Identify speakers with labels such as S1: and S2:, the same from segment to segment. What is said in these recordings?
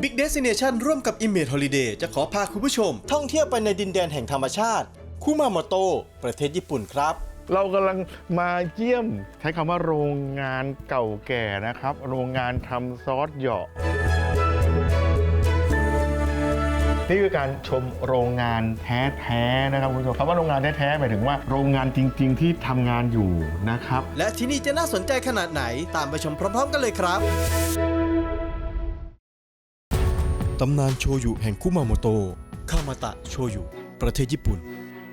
S1: Big Destination ร่วมกับ Image Holiday จะขอพาคุณผู้ชมท่องเที่ยวไปในดินแดนแห่งธรรมชาติคุมาโมโตะประเทศญี่ปุ่นครับ
S2: เรากำลังมาเยี่ยมใช้คำว่าโรงงานเก่าแก่นะครับโรงงานทำซอสเหยาะนี่คือการชมโรงงานแท้ๆนะครับคุณผู้ชมคำว่าโรงงานแท้ๆหมายถึงว่าโรงงานจริงๆที่ทำงานอยู่นะครับ
S1: และที่นี่จะน่าสนใจขนาดไหนตามไปชมพร้อมๆกันเลยครับตำนานโชยุแห่งคุมาโมโตะคามาตะโชยุประเทศญี่ปุ่น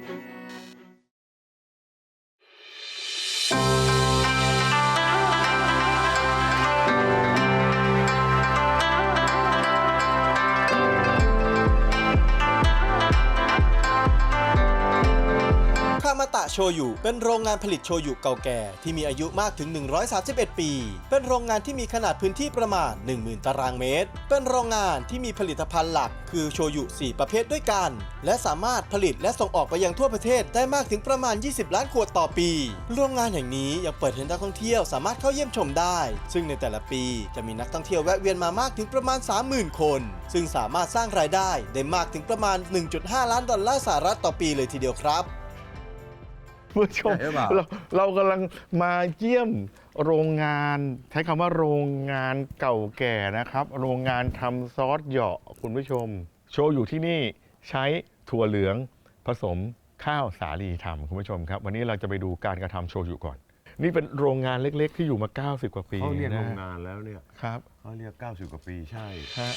S1: คามาตะโชยุเป็นโรงงานผลิตโชยุเก่าแก่ที่มีอายุมากถึง131ปีเป็นโรงงานที่มีขนาดพื้นที่ประมาณ 10,000 ตารางเมตรเป็นโรงงานที่มีผลิตภัณฑ์หลักคือโชยุ4ประเภทด้วยกันและสามารถผลิตและส่งออกไปยังทั่วประเทศได้มากถึงประมาณ20ล้านขวดต่อปีโรงงานแห่งนี้ยังเปิดให้นักท่องเที่ยวสามารถเข้าเยี่ยมชมได้ซึ่งในแต่ละปีจะมีนักท่องเที่ยวแวะเวียนมามากถึงประมาณ 30,000 คนซึ่งสามารถสร้างรายได้มากถึงประมาณ 1.5 ล้านดอลลาร์สหรัฐต่อปีเลยทีเดียวครับ
S2: ผู้ชมเรากำลังมาเยี่ยมโรงงานใช้คำว่าโรงงานเก่าแก่นะครับโรงงานทำซอสเหยาะคุณผู้ชมโชอยู่ที่นี่ใช้ถั่วเหลืองผสมข้าวสาลีทำคุณผู้ชมครับวันนี้เราจะไปดูการกระทำโชยุก่อนนี่เป็นโรงงานเล็กๆที่อยู่มา90กว่าปี
S3: เขาเรียกโรงงานแล้วเนี่ย
S2: ครับ
S3: เขาเรียก90กว่าปีใช่
S2: ฮะ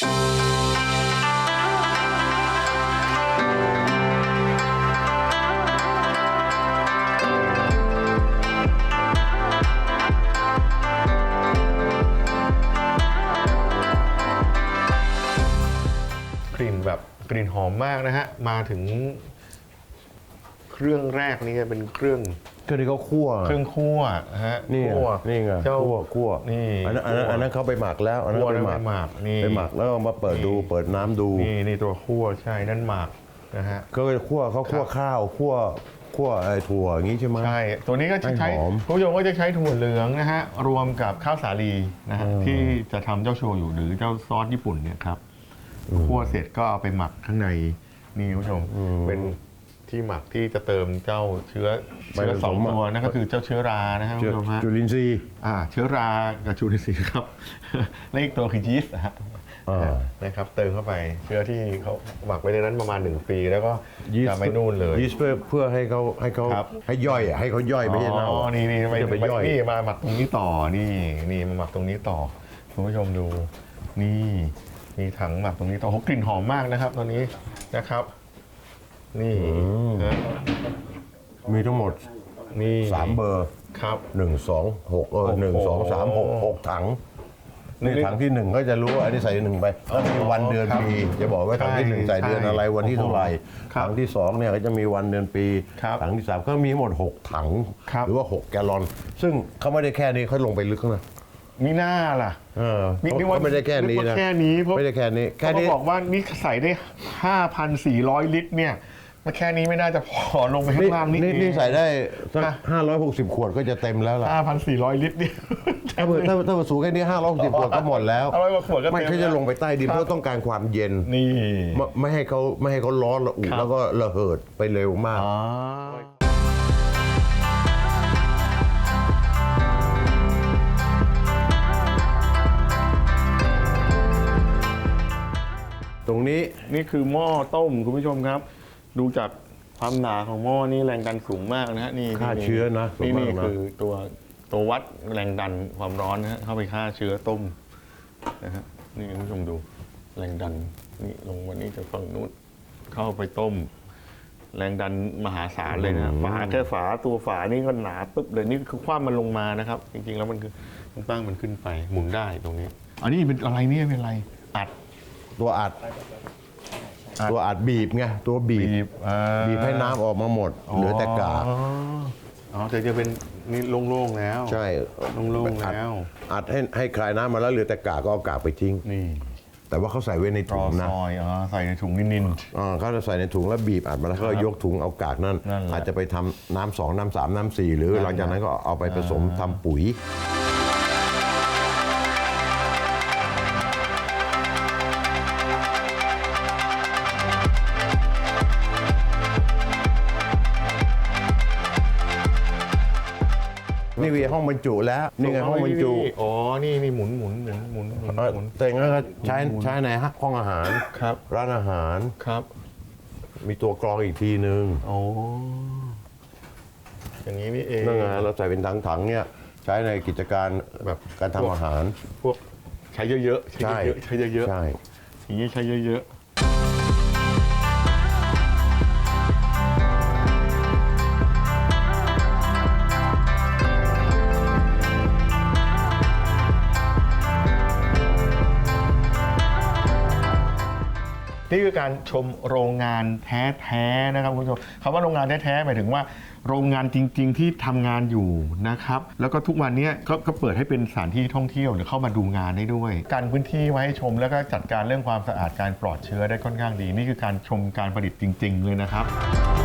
S2: กลิ่นแบบกลิ่นหอมมากนะฮะมาถึงเครื่องแรกนี่เป็นเครื่อง
S3: ที่เขาคั่ว
S2: เครื่องคั่วฮะ
S3: นี่ไงคั่ว
S2: นี่
S3: อันนั้นเขาไปหมักแล้วอันนั้นไปหมัก
S2: นี่
S3: ไปหมักแล้วมาเปิดดูเปิดน้ำดู
S2: นี่ตัวคั่วใช่นั่นหมักนะฮะ
S3: ก็คั่วเขาคั่วข้าวคั่วไอ้ถั่วอย่างนี้ใช่ไหม
S2: ใช่ตัวนี้ก็จะใช้คุณผู้ชมก็จะใช้ถั่วเหลืองนะฮะรวมกับข้าวสาลีนะฮะที่จะทำเจ้าโชยุหรือเจ้าซอสญี่ปุ่นเนี่ยครับคั่วเสร็จก็เอาไปหมักข้างในนี่คุณผู้ชมเป็นที่หมักที่จะเติมเจ้าเชื้อสองตัวนั่นก็คือเจ้าเชื้อรานะครับคุณผู้ชมฮะ
S3: จุลินทรีย์
S2: เชื้อรากับจุลินทรีย์ครับและอีกตัวคือยีสต์นะครับเติมเข้าไปเชื้อที่เขาหมักไว้ในนั้นประมาณ1ปีแล้วก็จะไม่นู่นเลย
S3: ยีสต์เพื่อให้เขาให้ย่อยให้เขาย่อยไม่ใช่เน่า
S2: นี่ไปย่อยนี่มาหมักตรงนี้ต่อนี่มาหมักตรงนี้ต่อคุณผู้ชมดูนี่มีถังหมักตรงนี้ต่อกลิ่นหอมมากนะครับตอนนี้นะครับนี่
S3: มีทั้งหมด
S2: นี่
S3: 3เบอร์
S2: ครับ
S3: 1 2 6 1 2 3 6ถังนี่ถังที่1ก็จะรู้ว่าอันนี้ใส่1ไปแล้วมีวันเดือนปีจะบอกว่าถังที่1ใส่เดือนอะไรวันที่เท่าไหร่ถังที่2เนี่ยก็จะมีวันเดือนปีถังที่3ก็มีทั้งหมด6ถังหรือว่า6แกลลอนซึ่งเขาไม่ได้แค่นี้เขาลงไปลึกนะ
S2: มีหน้าล่ะ
S3: เขาไม่ได้แค่นี้นะไม่ได้แค่นี้
S2: เขาบอกว่านี่ใส่ได้ 5,400 ลิตรเนี่ยมาแค่นี้ไม่น่าจะพอลงไปข้างล่าง
S3: นี่ใส่ได้สัก560ขวดก็จะเต็มแล้วล่ะ
S2: 5,400 ลิตรเนี่ย
S3: ถ้าสูงแค่นี้560ขวดก็หมดแล้วไม่ใช่จะลงไปใต้ดินเพราะต้องการความเย็น
S2: นี่
S3: ไม่ให้เขาร้อนระอุแล้วก็ระเหิดไปเร็วมากตรงนี้
S2: นี่คือหม้อต้มคุณผู้ชมครับดูจากความหนาของหม้อนี่แรงดันสูงมากนะฮะนี่
S3: ฆ่าเชื้อนะ
S2: นี่คือตัววัดแรงดันความร้อนนะฮะเข้าไปฆ่าเชื้อต้มนะฮะนี่คุณผู้ชมดูแรงดันนี่ลงวันนี้จะฝั่งนู้นเข้าไปต้มแรงดันมหาศาลเลยนะฝาแค่ตัวฝานี่ก็หนาปึ๊บเลยนี่คือคว่ำมันลงมานะครับจริงๆแล้วมันคือตั้งมันขึ้นไปหมุนได้ตรงนี้อันนี้เป็นอะไรเนี่ยเป็นอะไรอัด
S3: ตัวอัดบีบไงตัวบีบให้น้ำออกมาหมดเหลือแต่กาก
S2: จะเป็นนี่โล่งๆแล้ว
S3: ใช่
S2: โล่งๆแล้ว
S3: อัดให้คลายน้ำมาแล้วเหลือแต่กากก็เอากากไปทิ้ง
S2: นี่
S3: แต่ว่าเขาใส่ไว้ในถุงนะ
S2: ใส่ในถุงนิ่ม
S3: ๆเขาจะใส่ในถุงแล้วบีบอัดมาแล้วก็ยกถุงเอากากนั่นอาจจะไปทำน้ำ2น้ำ3น้ำ4หรือหลังจากนั้นก็เอาไปผสมทำปุ๋ยวีห้องบรรจุแล้วนี่ไงห้องบรรจุ
S2: อ๋อนี่หมุน
S3: แต่งั้นก็ใช้ในห้องอาหาร
S2: ครับ
S3: ร้านอาหาร
S2: ครับ
S3: มีตัวกรองอีกทีนึง
S2: โอ้อย่างนี้นี่เอง
S3: นั่นไงเราใส่เป็นถังๆเนี่ยใช้ในกิจการแบบการทำอาหาร
S2: พวกใช้เยอะๆใช้เยอะๆ
S3: ใช่
S2: อย่างนี้ใช้เยอะนี่คือการชมโรงงานแท้ๆนะครับคุณผู้ชมคำว่าโรงงานแท้ๆหมายถึงว่าโรงงานจริงๆที่ทำงานอยู่นะครับแล้วก็ทุกวันนี้ก็เปิดให้เป็นสถานที่ท่องเที่ยวหรือเข้ามาดูงานได้ด้วยการพื้นที่ไว้ให้ชมแล้วก็จัดการเรื่องความสะอาดการปลอดเชื้อได้ค่อนข้างดีนี่คือการชมการผลิตจริงๆเลยนะครับ